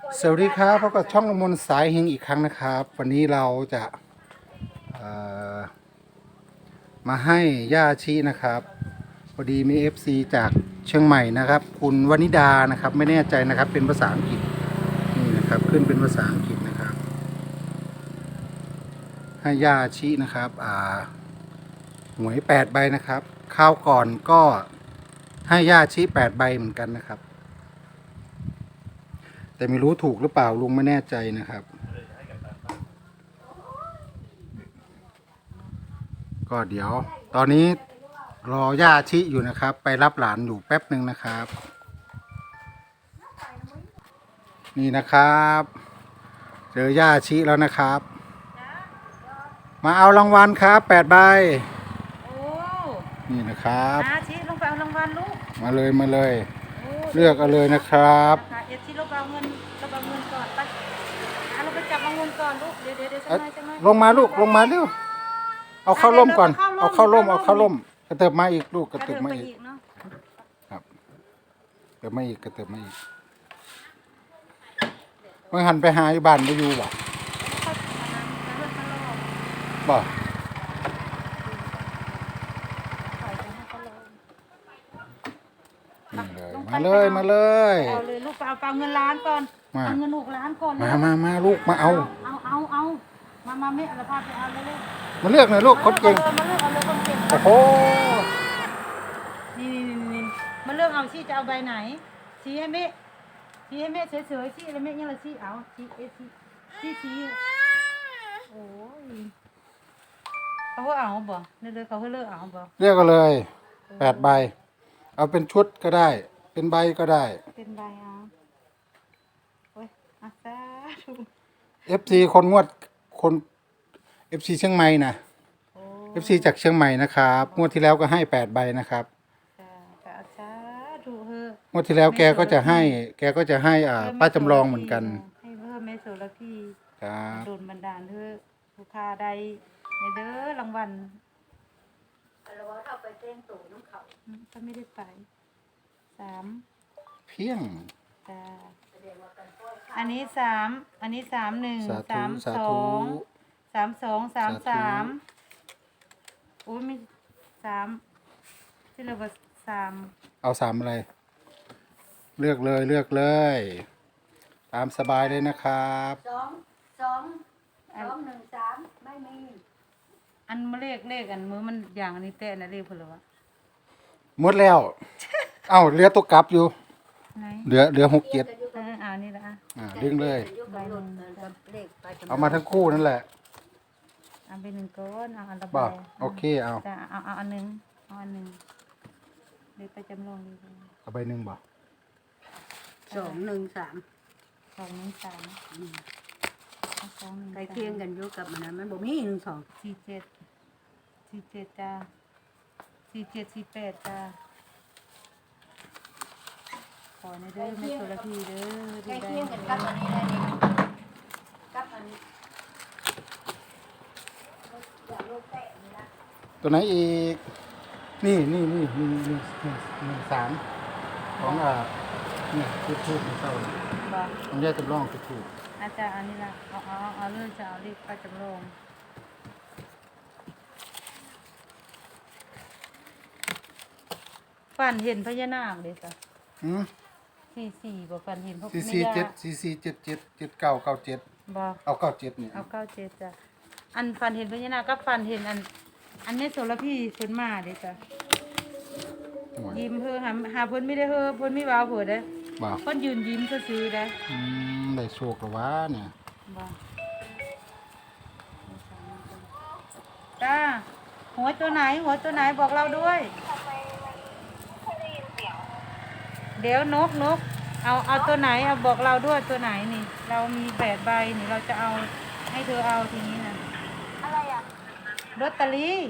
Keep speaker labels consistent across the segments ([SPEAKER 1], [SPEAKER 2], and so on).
[SPEAKER 1] สวัสดีครับพบกับช่องละมนสายเฮงอีกครั้งนะครับ วันนี้เราจะเอ่อมาให้ย่าชีนะครับพอดีมี FC จากเชียงใหม่นะครับคุณวนิดานะครับไม่แน่ใจนะครับเป็นภาษาอังกฤษนี่นะครับขึ้นเป็นภาษาอังกฤษนะครับให้ย่าชีนะครับหวย8 ใบนะครับข้าวก่อนก็ให้ย่าชี8 ใบเหมือนกันนะครับแต่ไม่รู้ถูกหรือเปล่าลุงไม่แน่ใจนะครับก็เดี๋ยวตอนนี้รอย่าชิอยู่นะครับไปรับหลานอยู่แป๊บหนึ่งนะครับนี่นะครับเจอย่าชิแล้วนะครับมาเอารางวัลครับ8 ใบ
[SPEAKER 2] โอ้
[SPEAKER 1] นี่นะครับ
[SPEAKER 2] อาชีลงไปเอารางวัลลูก
[SPEAKER 1] มาเลยมาเลย
[SPEAKER 2] โอ้
[SPEAKER 1] เลือกเอาเลยนะครับ
[SPEAKER 2] ค่ะเอชีลงไปเอาเงินลงไปเอาเงินก่อนไปเราไปจับเอาเงินก่อนลูกเดี๋ยวสักหน่อยสักหน่อย
[SPEAKER 1] ลงมาลูกลงมาเร็วเอาเข้าร่มก่อนเอาเข้าร่มเอาเข้าร่มกระเติบมาอีกลูกกระเติบมาอีก
[SPEAKER 2] เนาะ
[SPEAKER 1] ครับเติบมาอีกกระเติบมาอีกเมื่อหันไปหาอยู่บ้านไม่อยู่บ่บ่นี่เลยมาเลยมาเลย
[SPEAKER 2] เอาเลยลูกไปเอาเงินล้านก่อนเอาเงิน6 ล้านก่อน
[SPEAKER 1] มาลูกมาเอา
[SPEAKER 2] มาไม่เอาพาไปเอาเลย
[SPEAKER 1] มาเลือกหน่อยลูกคนเก่ง
[SPEAKER 2] มาเลือกเอาเลยคนเก่ง
[SPEAKER 1] โอ้โห
[SPEAKER 2] นี่มาเลือกเอาชี้จะเอาใบไหนชี้ให้แม่ชี้ให้แม่เฉยๆชี้แล้วแม่ยังละชี้เอาชี้โอ้ยเขาเอาบ่เลยเขาเลือกเอาบ่
[SPEAKER 1] เลือกก็เลย8 ใบเอาเป็นชุดก็ได้เป็นใบก็ได้
[SPEAKER 2] เป็นใบเอาโอ้ยอาซาธุ
[SPEAKER 1] FC คนงวดคน FC เชียงใหม่นะ FC จากเชียงใหม่นะครับงวดที่แล้วก็ให้8 ใบนะครับ
[SPEAKER 2] อาซาธุเฮ้
[SPEAKER 1] งวดที่แล้วแกก็จะให้ป้าจำลองเหมือนกัน
[SPEAKER 2] ให้เพิ่มเมโซลพี
[SPEAKER 1] ครับ
[SPEAKER 2] โดนบันดาลเถอะลูกค้าใดในเด้อรางวัลเราว่าเข้าไปเต้นตู่น้ำเขาก็ไม่ได้ไป3
[SPEAKER 1] เพียง
[SPEAKER 2] จ้าอันนี้3อันนี้31 32 33โอ้ยมี3ที่เราว่า3
[SPEAKER 1] เอา3อะไรเลือกเลย ตามสบายเลยนะครับ
[SPEAKER 2] 2 1 3ไม่มีอันมาเลขอันมือมันอย่างอันนี้แต่นะเลขเพิ่นเหรอวะ
[SPEAKER 1] หมดแล้ว เอ้าเหลือตัวกลับอยู่
[SPEAKER 2] ไหน
[SPEAKER 1] เหลือ6 7
[SPEAKER 2] นี่ละ
[SPEAKER 1] ดึงเลย
[SPEAKER 2] ใบหนึ่ง
[SPEAKER 1] เอามาทั้งคู่นั่นแหละ
[SPEAKER 2] เอาไป1ก้อนเอาอันละใบ
[SPEAKER 1] โอเคเอา
[SPEAKER 2] จะเอาอันนึงเดี๋ยวไปจำลองดี
[SPEAKER 1] เอาใบหนึ่งบ่
[SPEAKER 2] 2 1 3
[SPEAKER 3] ใกล้เคียงกันอยู่กับมันบ่มี
[SPEAKER 2] 47จ้า47 48จ้าขอในเด้อไม่โซลาพีเด้อ
[SPEAKER 3] ใกล้เคียงกันกับอันนี้ได้นี่กับอัน
[SPEAKER 1] ตัวไหนอีกนี่3ของเนี่ยทูบเศร้าต้องแยกจำลองทูบ
[SPEAKER 2] อาจารย์อันนี้ละเอาเรื่องจะเอารีบไปจำลองฝันเห็นพญานาคเลยจ้ะ44บ่ฝันเห็นพวก
[SPEAKER 1] 44777997
[SPEAKER 2] บ่
[SPEAKER 1] เอา97นี่
[SPEAKER 2] เอา97จ้ะอันฝันเห็นพญานาคก็ฝันเห็นอันนี้โสระพีเพิ่นมาเด้จ้ะยิ้มเพิ่นหาเพิ่นไม่ได้เพิ่นไม่ว้าวเพิ่นเด้
[SPEAKER 1] บ่
[SPEAKER 2] เพิ่นยืนยิ้มซื่อๆเด้
[SPEAKER 1] ได้โชคแล้ววะเนี่ย
[SPEAKER 2] บ่จ้าหัวตัวไหนบอกเราด้วยเดี๋ยวนกเอาตัวไหนเอาบอกเราด้วยตัวไหนนี่เรามี8 ใบนี่เราจะเอาให้เธอเอาทีนี้นะ
[SPEAKER 3] อะไรอ่ะ
[SPEAKER 2] ลอตเตอรี่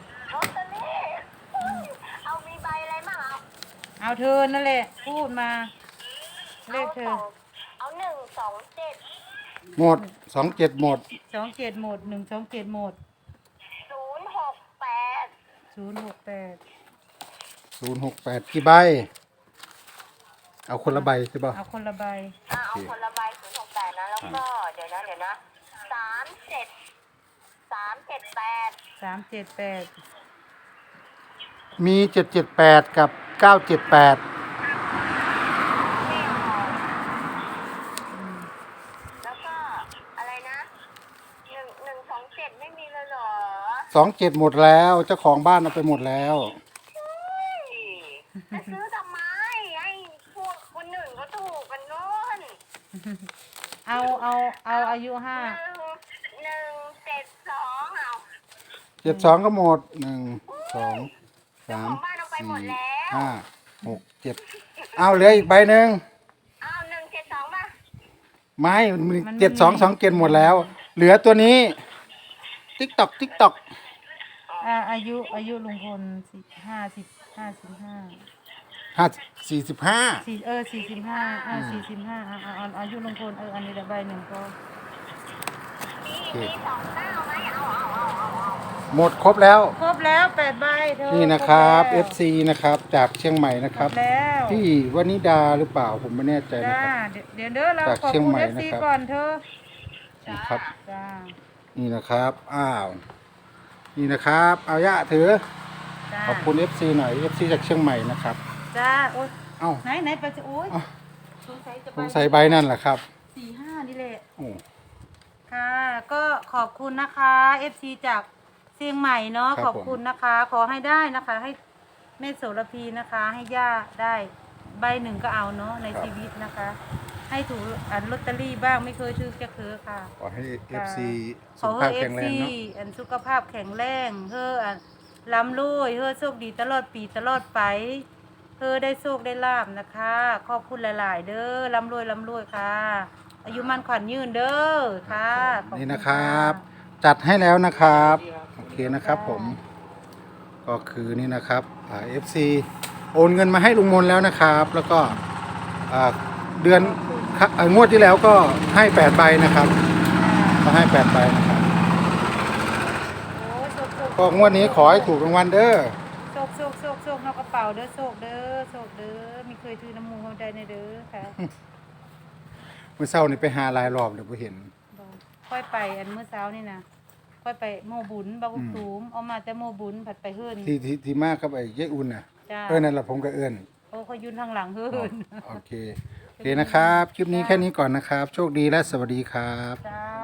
[SPEAKER 3] เอามีใบอะไรมั่ง
[SPEAKER 2] เอาเธอนั่นแหละพูดมาเลขเธอ
[SPEAKER 3] เอา127
[SPEAKER 1] หมด27หมด
[SPEAKER 2] 27หมด127หมด
[SPEAKER 3] 068
[SPEAKER 2] 068
[SPEAKER 1] 068กี่ใบเอาคนละใบใช่ป่ะ
[SPEAKER 2] เอาคนละใบ
[SPEAKER 3] เอาคนละใบ068นะแล้วก็เดี๋ยวนะ378
[SPEAKER 2] 378
[SPEAKER 1] มี778กับ978
[SPEAKER 3] แล้วก็อะไรนะ1127ไม่มีเลยเหรอ
[SPEAKER 1] 27หมดแล้วเจ้าของบ้านเอาไปหมดแล้ว
[SPEAKER 3] จะซื้อทำไมไอ้พวกคนหนึ่งก็ถูกกันโน่น
[SPEAKER 2] เอาอายุ5
[SPEAKER 3] 172เอา
[SPEAKER 1] 72ก็หมด1 2
[SPEAKER 3] เจ้าของบ้านเอาไปหมดแล้ว
[SPEAKER 1] 3 4 5 6 7เอาเหลืออีกใบหนึ่ง
[SPEAKER 3] เอา172ป่ะ
[SPEAKER 1] ไม่7227หมดแล้ว เหลือตัวนี้ ติ๊กตอก
[SPEAKER 2] อายุลุงพล
[SPEAKER 1] 45
[SPEAKER 2] 45เอาอายุลุงพลอันนี้ละใบหนึ่งก็
[SPEAKER 3] มี29ไหมเอา
[SPEAKER 1] หมดครบแล้ว
[SPEAKER 2] ครบแล้ว8ใบเธอ
[SPEAKER 1] นี่นะครับ
[SPEAKER 2] ครบแล้ว
[SPEAKER 1] FC นะครับ จากเชียงใหม่นะค
[SPEAKER 2] คร
[SPEAKER 1] รับบ
[SPEAKER 2] แล้ว
[SPEAKER 1] ที่วนิดาหรือเปล่าผมไม่แน่ใจนะ
[SPEAKER 2] จ้า
[SPEAKER 1] ครับ
[SPEAKER 2] เดี๋ยวเด้อเรา
[SPEAKER 1] จาก
[SPEAKER 2] ขอบ
[SPEAKER 1] เชียง
[SPEAKER 2] คุณ
[SPEAKER 1] ใหม่
[SPEAKER 2] FC
[SPEAKER 1] นะครับ
[SPEAKER 2] ก่อนเธอ
[SPEAKER 1] นะครับ
[SPEAKER 2] จ้า
[SPEAKER 1] นี่นะครับนี่นะครับเอายะถือ
[SPEAKER 2] จ้า
[SPEAKER 1] ขอบคุณ FC หน่อย FC จากเชียงใหม่นะครับ
[SPEAKER 2] จ้าโอ๊ย
[SPEAKER 1] เอ้า
[SPEAKER 2] ไหนไปจะโอ๊ย
[SPEAKER 1] เอ้า
[SPEAKER 2] สงสัยจะ
[SPEAKER 1] สงสัยใบนั่นแหละครับ
[SPEAKER 2] 45นี่แหละ
[SPEAKER 1] โอ้
[SPEAKER 2] ค่ะ ก็ขอบคุณนะคะ FC จากเชียงใหม่เนาะขอบคุณนะคะ ขอให้ได้นะคะ ให้แม่โสระพีนะคะ ให้ย่าได้ใบหนึ่งก็เอาเนาะในชีวิตนะคะ ให้ถูกลอตเตอรี่บ้างไม่เคยถือจะคือค่ะ
[SPEAKER 1] ขอให้ FC
[SPEAKER 2] ข
[SPEAKER 1] สุ
[SPEAKER 2] อ
[SPEAKER 1] ขภา
[SPEAKER 2] ให้
[SPEAKER 1] พแข็งแรงเนาะ
[SPEAKER 2] อันสุขภาพแข็งแรงร่ำรวยโชคดีตลอดปีตลอดไปได้โชคได้ลาบนะคะ ขอบคุณหลาย ๆ เด้อร่ำรวยค่ะ อายุมันขวัญยืนเด้อค่ะขอณ
[SPEAKER 1] นี่นะครับ จัดให้แล้วนะครับโอเคนะครับผม ก็คือนี่นะครับFC โอนเงินมาให้ลุงมนแล้วนะครับ แล้วก็เดือนงวดที่แล้วก็ให้8ใบนะครับก็ให้8ใบนะครับ
[SPEAKER 2] โอ้ยโชค
[SPEAKER 1] ก็งวดนี้ขอให้ถูกรางวัลเด้อ
[SPEAKER 2] โชคนอกกระเป๋าเด้อโชคเด้อมีเคยถือน้ำมูกเขาใจในเด้อค่ะ
[SPEAKER 1] เมื่อเช้านี่ไปหาหลายรอบเดี๋ยวเห็น
[SPEAKER 2] ค่อยไปอันเมื่อเช้านี่นะค่อยไปโมบุญบางกุตูมเอามาแต่โมบุญผัดไปเฮิรน
[SPEAKER 1] ที่มากครับไอ้เย้อุ่นน่ะ
[SPEAKER 2] จ้า
[SPEAKER 1] นั่นแหละผมก็เอิ้น
[SPEAKER 2] โอ้เขายืนทางหลังเฮิรน
[SPEAKER 1] โอเคนะครับ คลิปนี้แค่นี้ก่อนนะครับ โชคดีและสวัสดีครับ
[SPEAKER 2] จ้า